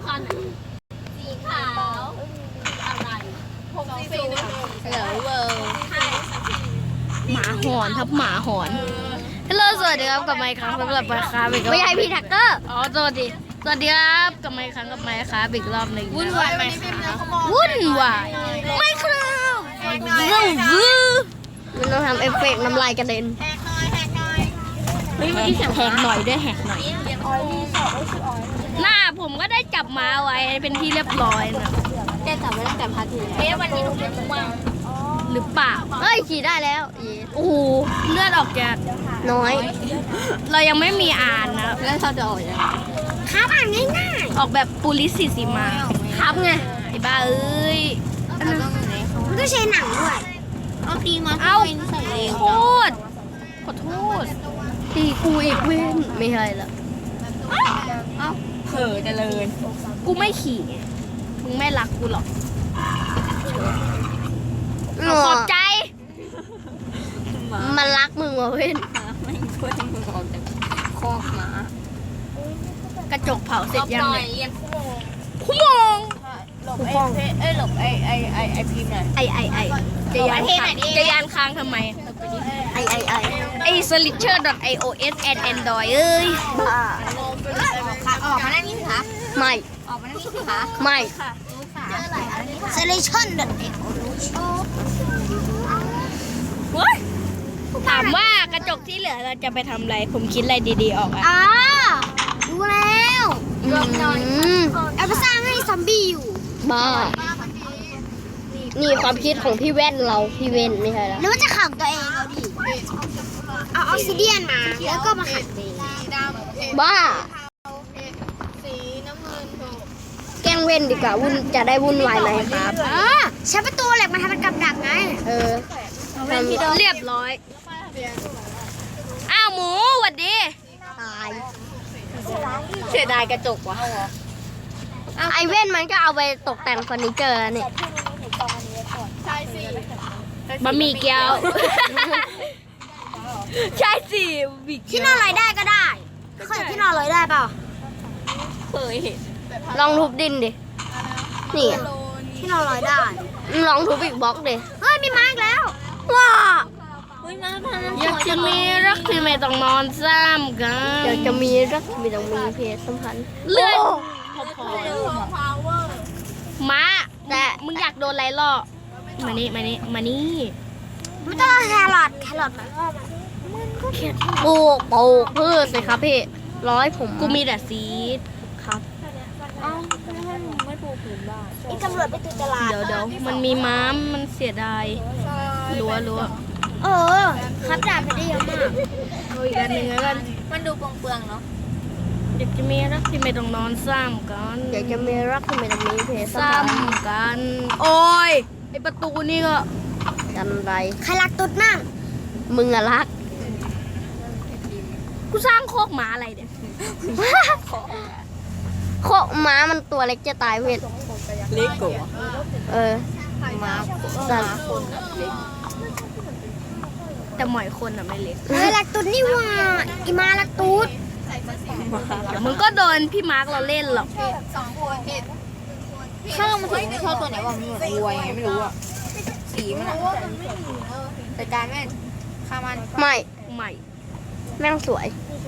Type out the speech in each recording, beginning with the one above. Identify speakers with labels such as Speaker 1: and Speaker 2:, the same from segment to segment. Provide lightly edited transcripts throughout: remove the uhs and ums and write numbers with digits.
Speaker 1: คันสีขาวอะไร640เหลือเวอร์หมาหอนครับหมาหอนฮัลโหลสวัสดีครับกับไมค์ครั้งสำหรับไมค์ครับไม่ใช่พี่แท็กเกอร์อ๋อสวัสดีครับกับไมค์ครั้งกับไมค์ครับอีกรอบหนึ่งวุ่นวายไหมวุ่นวายไม่ครับมันต้องทำเอฟเฟกต์น้ำลายกระเด็นเฮ้ยไม่ใช่แหกหน่อยด้วยแหกหน่อยหน้าผมก็ได้จับม้าไว้เป็นที่เรียบร้อยนะแกจับไว้ตั้งแต่พาร์ทที่แล้ววันนี้หนูเรียนว่างหรือเปล่าเอ้ยขี่ได้แล้วโอ้โหเลือดออกจากน้อยเรายังไม่มีอ่านนะแล้วเราจะออกยังไงครับอ่านง่ายๆออกแบบปุริสิสีมาครับไงไอ้บ้าเอ้ยมันก็ใช้หนังด้วยเอาตีมาเอาโทษขอโทษตีกูอีกเว้นไม่ใช่ละเอ้าเผลอเจริญกูไม่ขี่ไงมึงไม่รักกูหรอกขอบใจมันรักมึงว่ะเว้นไม่ช่วยมึงออกจากคอกหมากระจกเผาเสร็จยังเนี่ยคู่มองหลบหลบไอพิมพ์หน่อยไอจะยานค้างทำไมไอสลิเชอร์ .ios and android เอ้ยออกมาหน้านี้สิคะไม่ออกมาหน้านี้สิคะไม่สลิเชอร์ ถามว่ากระจกที่เหลือเราจะไปทำอะไรผมคิดอะไรดีๆออกอ่ะดูแล้วเอาไปสร้างให้ซอมบี้อยู่บ้านี่ความคิดของพี่แว่นเราพี่เว่นไม่ใช่แล้วแล้วจะขังตัวเองเราดิเอาออกซิเดียนมาแล้วก็มาขังตัวเองบ้าแกล้งเว่นดีกว่าวุ่นจะได้วุ่นวายไหมครับใช้ประตูเหล็กมาทำเป็นกับดักไงเรียบร้อยอ้าวหมูหวัดดีตายเสียดายกระจกวะไอเว่นมันก็เอาไปตกแต่งเฟอร์นิเจอร์นี่บะหมี่เกี๊ยวใช่สิที่นอนลอยได้ก็ได้เคยที่นอนลอยได้เปล่าเคยเห็นลองทุบดินดินี่ที่นอนลอยได้ลองทุบอีกบล็อกดิเฮ้ยมีไม้อีกแล้วว้าอยากจะมีรักที่ไม่ต้องนอนซ้ำกันอยากจะมีรักที่ไม่ต้องมีเพศสัมพันธ์เลื่อนม้าแต่มึงอยากโดนอะไรล่อมานี่ไม่ต้องแครอทปลูกพืชสิครับพี่ร้อยผมกูมีแต่ซีดครับไม่ปลูกผืนบ้านอีกตำรวจไปตีตลาดเดี๋ยวมันมีม้ามมันเสียดายรัวครับดาบไปได้เยอะมากอีกอันหนึ่งแล้วกันมันดูเปลืองเนาะอยากจะมีรักที่ไม่ต้องนอนซ้ำกันอยากจะมีรักที่ไม่ต้องมีเพศซ้ำกันโอ้ยไอประตูนี่ก็กันไรใครรักตุ๊ดนั่งมึงอะรักกูสร้างโคกหมาอะไรเนี่ยโคกหมามันตัวเล็กจะตายเวทเล็กกว่าหมาสันแต่หมอยคนอะไม่เล็กรักตุ๊ดนี่ว่าอีมารักตุ๊ดมึงก็โดนพี่มาร์กเราเล่นหรอกข้าวมันถึงชอบตัวไหนวะมันเหมือนวัวยังไงไม่รู้อะสีมันอะแต่การแม่ข้ามันไม่แม่งสวย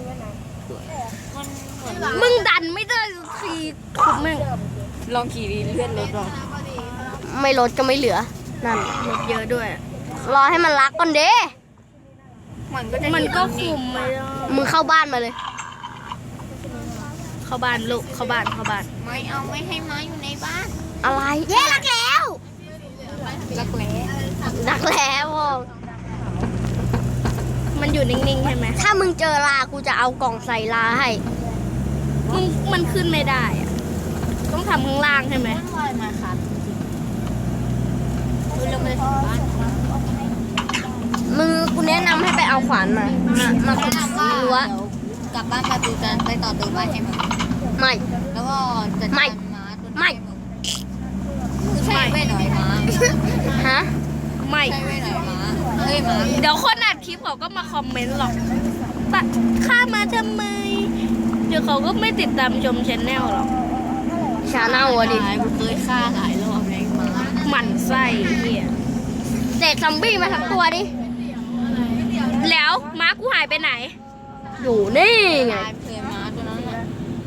Speaker 1: มึงดันไม่ได้ทีขุดแม่งลองขี่เลื่อนรถลองไม่รถก็ไม่เหลือนั่นรถเยอะด้วยรอให้มันรักก่อนเด้มันก็คุมไม่ได้มึงเข้าบ้านมาเลยเข้าบ้านลูกเข้าบ้านไม่ให้ม้าอยู่ในบ้านอะไรเย้รักแล้วมันอยู่นิ่งๆใช่ไหมถ้ามึงเจอลากูจะเอากล่องใส่ลาให้มันขึ้นไม่ได้อะต้องทำข้างล่างใช่ไหมมาครับมึงกูแนะนำให้ไปเอาขวานมาขุดรั้วกลับบ้านไปดูกันไปต่อตัวบ้านให้มึงไม่แล้วก็จะไม่ใช่ไม่หน่อยม้าฮะไม่ใช่ไม่หน่อยม้าเดี๋ยวคนอัดคลิปเขาก็มาคอมเมนต์หรอกฆ่ามาทำไมเดี๋ยวเขาก็ไม่ติดตามชมชแนลหรอกชาแนลอะดิ
Speaker 2: กูเคยฆ่าหลายรอบเลยมา
Speaker 1: หมั่นไส้เฮียเสกซอมบี้มาทั้งตัวดิ แล้วม้ากูหายไปไหน อยู่นี่ไง
Speaker 2: ตายเคยมาตัวนั้นน่ะ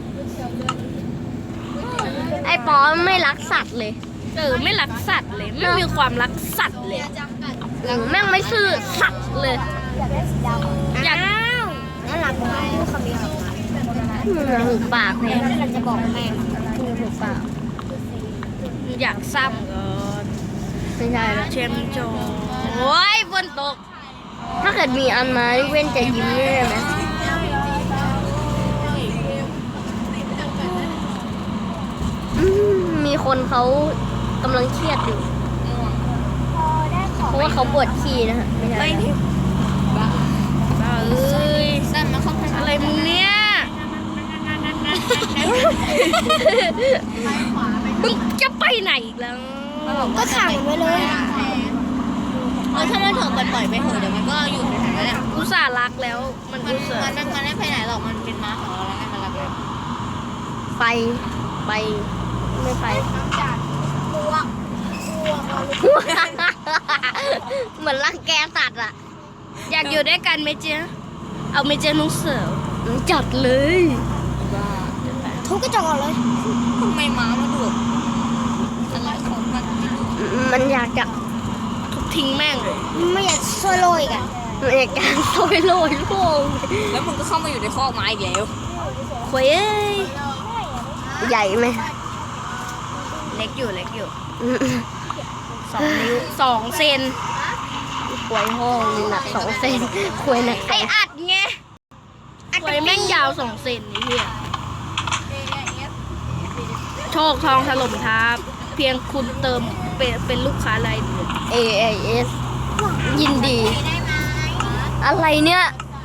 Speaker 1: ไอ้ปอไม่รักสัตว์เลยไม่รักสัตว์เลย ไม่มีความรักสัตว์เลยแม่งไม่ซื่อสัตว์เลย อยาก
Speaker 3: น่ารักมากลูกคำนี้ของมัน
Speaker 1: หูปากเลย
Speaker 3: เราจะบอกแม่หูปาก
Speaker 1: อยากซ้ำก่อน
Speaker 3: ไม่ใช่แล้ว
Speaker 1: เชมโจโอ้ยฝนตก
Speaker 3: ถ้าเกิดมีอันมาเว้นจะยิ้มได้ไหมมีคนเขากำลังเครียดอยู่ เพราะว่าเขาปวดขี้นะฮะไม่ใช่
Speaker 1: ไปบ้าเอ้ย
Speaker 2: สั้นมาเข้าพัน
Speaker 1: อะไรมึงเนี่ยมึงจะไปไหนอีกแล้ว
Speaker 3: ก็ขังไว้เลย
Speaker 2: ถ้ามันถึงปล่อยไปเถอะเดี๋ยวมันก็อยู่ในนั้นแหละ
Speaker 1: อุตส่าห์รักแล้ว มัน
Speaker 2: มัน
Speaker 1: อุตส่าห์
Speaker 2: มันไม่ไปไหนหรอกมันเป็นม้าของเราแล้วไงมันรักเรา
Speaker 3: ไปไม่ไป เหมือนรังแกสัตว์อ่ะ
Speaker 1: อยากอยู่ด้วยกันไหมเจ๊เอาไหมเจ๊น้องเสือ
Speaker 3: จัดเลย
Speaker 2: บ้า
Speaker 3: ทุบกระจกเลย
Speaker 2: ทำไมม้ามาดุอะไรของมัน
Speaker 3: มันอยากจะ
Speaker 1: ทุบทิ้งแม่งเลย
Speaker 3: ไม่อยากช่วยโรยกันมันอยากจะโรยโลง
Speaker 2: แล้วมึงก็เข้ามาอยู่ในคอกม้าอีกแล้ว
Speaker 1: ควยเอ้ย
Speaker 3: ใหญ่ไหม
Speaker 1: เล็กอยู่2 นิ้ว2 เซน
Speaker 3: ควยห้องหนัก2 เซนควยหนัก
Speaker 1: ไออัดไงควยแม่งยาว2 เซนนี่เฮียโชคทองถล่มทับเพียงคุณเติมเป็นลูกค้ารายเดือน
Speaker 3: AIS ยินดี อะไรเนี่ย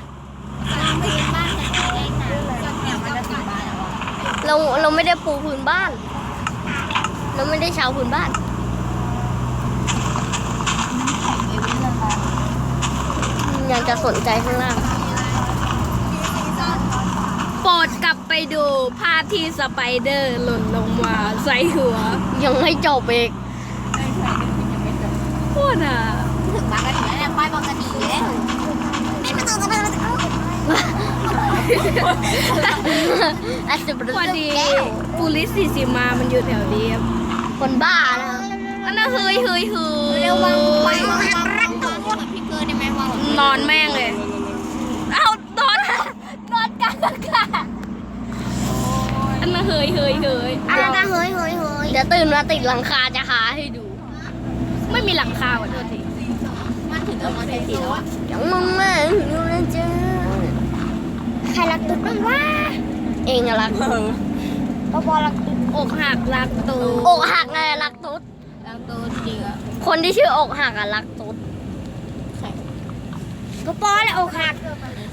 Speaker 3: เราไม่ได้ปูพื้นบ้าน เราไม่ได้ชาวพื้นบ้าน ยังจะสนใจข้างล่าง
Speaker 1: โปรดกลับไปดูภาพที่สไปเดอร์หล่นลงมาใส่หัว
Speaker 3: ยังไม่จบอีก
Speaker 1: โคตรอ่ะ
Speaker 2: ถึงม้ากันอยู่แล้วเนี่ยป้ายบอกกันดีเลย
Speaker 1: พอดีปูลิสสีสีมามันอยู่แถวนี้ครับ
Speaker 3: คนบ้านะ
Speaker 1: อันนั้นเฮ้ย
Speaker 2: เร็ววางเหมือนพี่เกอร์ได้ไหมวาง
Speaker 1: นอนแม่งเลย เอานอนกลางอากาศอันนั้นเฮ้ย
Speaker 3: อะไรนะเฮ้ยเดี๋ยวตื่นมาติดหลังคาจะหาให้ดู
Speaker 1: ไม่มีหลังคาว่ะโทษที
Speaker 2: มันถึงเอามาใส่สีแล้วอะ
Speaker 3: ยังมึงมาอยู่นะจ๊ะใครรักตุ๊ดบ้างวะเองอะรักปอรักตุ๊ด
Speaker 1: อกหักรักตู
Speaker 3: อกหักไงรักตุ๊ด
Speaker 2: แล้วตัวจริงอะ
Speaker 3: คนที่ชื่ออกหักอะรักตุ๊ด
Speaker 2: ใส่
Speaker 3: ปอแหละอกหัก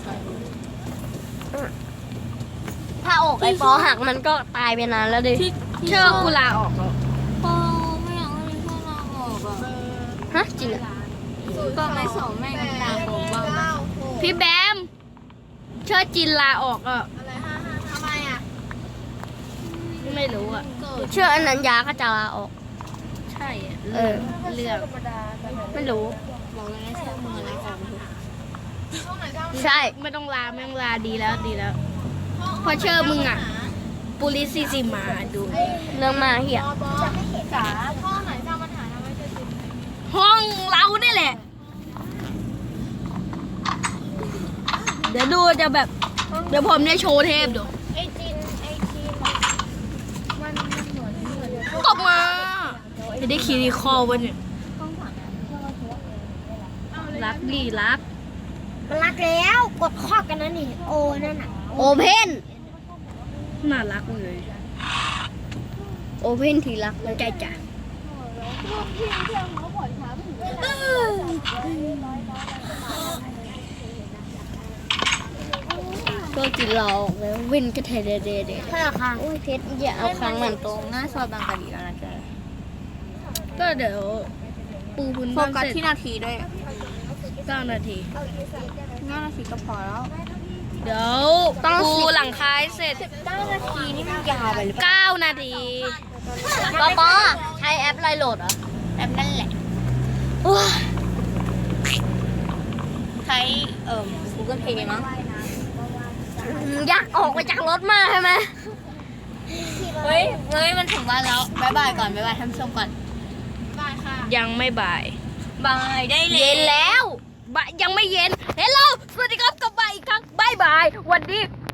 Speaker 3: ถ้าอกไอ้ปอหักมันก็ตายไปนานแล้วดิ
Speaker 1: เชื่อกูลาออกแล้ว
Speaker 2: ปอไม่อยากให้พ่อลาออกอะ
Speaker 3: ฮะจริงอะ
Speaker 2: ก็ไม่สอนแม่งตามผมบ้างนะ
Speaker 1: พี่แบมเชื่อจินลาออกอ่ะ
Speaker 2: ทำไมอะ
Speaker 1: ไม่รู้อ่ะ
Speaker 3: เชื่ออนัญญาก็จะลาออก
Speaker 1: ใช่อะ
Speaker 3: เออ
Speaker 1: เรื่องไม่รู้
Speaker 2: บอกเลยนะเชื่อมืออะไรของมึง
Speaker 3: ใช่
Speaker 1: ไม่ต้องลาไม่ต้องลาดีแล้วเพอเชื่อมึงอ่ะปูลิสซีซีมาดู
Speaker 3: เรื่องมาเหี้ย
Speaker 1: ห้องเราเนี่ยแหละ เดี๋ยวดูจะแบบ เดี๋ยวผมเนี่ยโชว์เทพดูตบมาจะได้คีรีคอลวันเนี่ยรักดีรัก
Speaker 3: มันรักแล้วกดข้อกันนั่นนี่โอนั่นอะโอเพน
Speaker 1: น่ารักเลย
Speaker 3: โอเพนทีรักเลย
Speaker 1: ใจจ้ะ
Speaker 3: ก็กินเราออกแล้ววินก็เทเดเดเด
Speaker 2: ถ้าราคา
Speaker 3: โอ้ยเพชรอย่าเอาครั้งมัน
Speaker 2: ตรงหน้าซอยบางกะดีแล้วนะแก
Speaker 1: ก็เดี๋ยวปูพื้น
Speaker 2: โฟ
Speaker 1: บ้าน
Speaker 2: กัส
Speaker 1: เสร็จ
Speaker 2: ที่นาทีด้วย
Speaker 1: 9 นาที
Speaker 2: 9 นาทีก็พอแล้ว
Speaker 1: เดี๋ยวปูหลังคาให้เสร็จ
Speaker 3: 9 นาทีนี่มันยาวไปหรือเปล่า
Speaker 1: 9 นาที
Speaker 3: ปอใช้แอปอะไรโหลดเหรอ
Speaker 2: แอปนั่นแหละ
Speaker 3: ว้า
Speaker 2: ใช้ Google Play มั้ง
Speaker 3: อยากออกไปจากรถมากใช่ไหม
Speaker 2: เฮ้ยมันถึงบ้านแล้วบ๊ายบายก่อนบ๊ายบายท่านผู้ชมก่อน
Speaker 1: ยังไม่บ่าย
Speaker 2: บายได้เลย
Speaker 3: เย็นแล้ว
Speaker 1: ยังไม่เย็น เฮลโลสวัสดีครับกลับมาอีกครั้งบายบาย วันนี้